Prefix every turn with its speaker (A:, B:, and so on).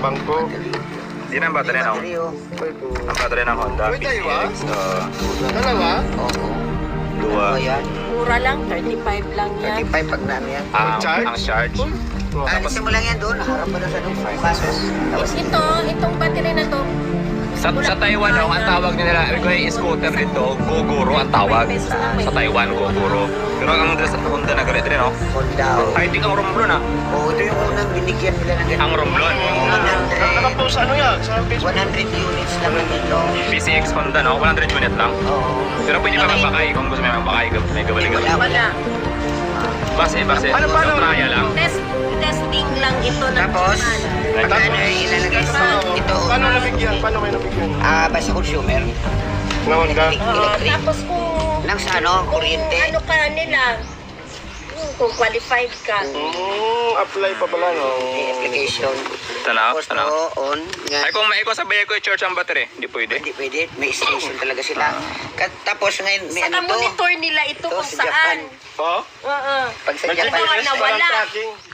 A: bangko.
B: Di na ang battery ng ang battery ng Honda PCX.
A: Dalawa?
C: Oo.
B: Dua.
C: Yan.
D: Mura lang, 35 lang yan.
C: 35 pag namin yan.
B: Ang charge.
C: Alisin mo lang yan doon. Harap mo na sa doon. 5 pesos. Tapos
D: Itong battery na to,
B: Sa Taiwan, ang tawag nila, yung scooter dito, Gogoro ang tawag. Sa Taiwan, Gogoro. Pero ang Honda na galit rin, no?
C: Honda.
B: I think ang Romblon, ah.
C: Oo, ito yung unang binigyan nila ng ganito.
B: Ang Romblon.
A: Nakapost ano yan? Sa Facebook?
C: 100 units lang dito.
B: PCX Honda, no? 100 unit lang.
C: Oo.
B: Pero pwede ka mabakay kung gusto mo mabakay. May gabali-gabali.
D: wala.
B: Base. Traya lang.
D: Testing lang ito ng
C: Tapos,
D: naman.
C: pag ano ay ilalagay sa ito.
A: Paano nabigyan? Paano kayo nabigyan?
C: Basta consumer.
A: Na Honda?
C: Electric.
D: Tapos kung
C: Lang sa ano, kuryente.
D: ano ka nila, kung qualified ka.
A: Apply pa pala, no?
C: May application.
B: Tanaw,
C: Tapos
B: tanaw.
C: on.
B: Ay, kung sabay ko i-charge ang battery, hindi pwede.
C: Hindi pwede. May station talaga sila. Tapos ngayon, may
D: Saka
C: ano to.
D: monitor nila ito
C: Ito
D: kung
C: sa Japan.
D: saan.
A: Oh?
D: Oo.
C: Pag sa
A: May
C: Japan,
D: GPS
A: GPS
D: nawala.
A: parang tracking.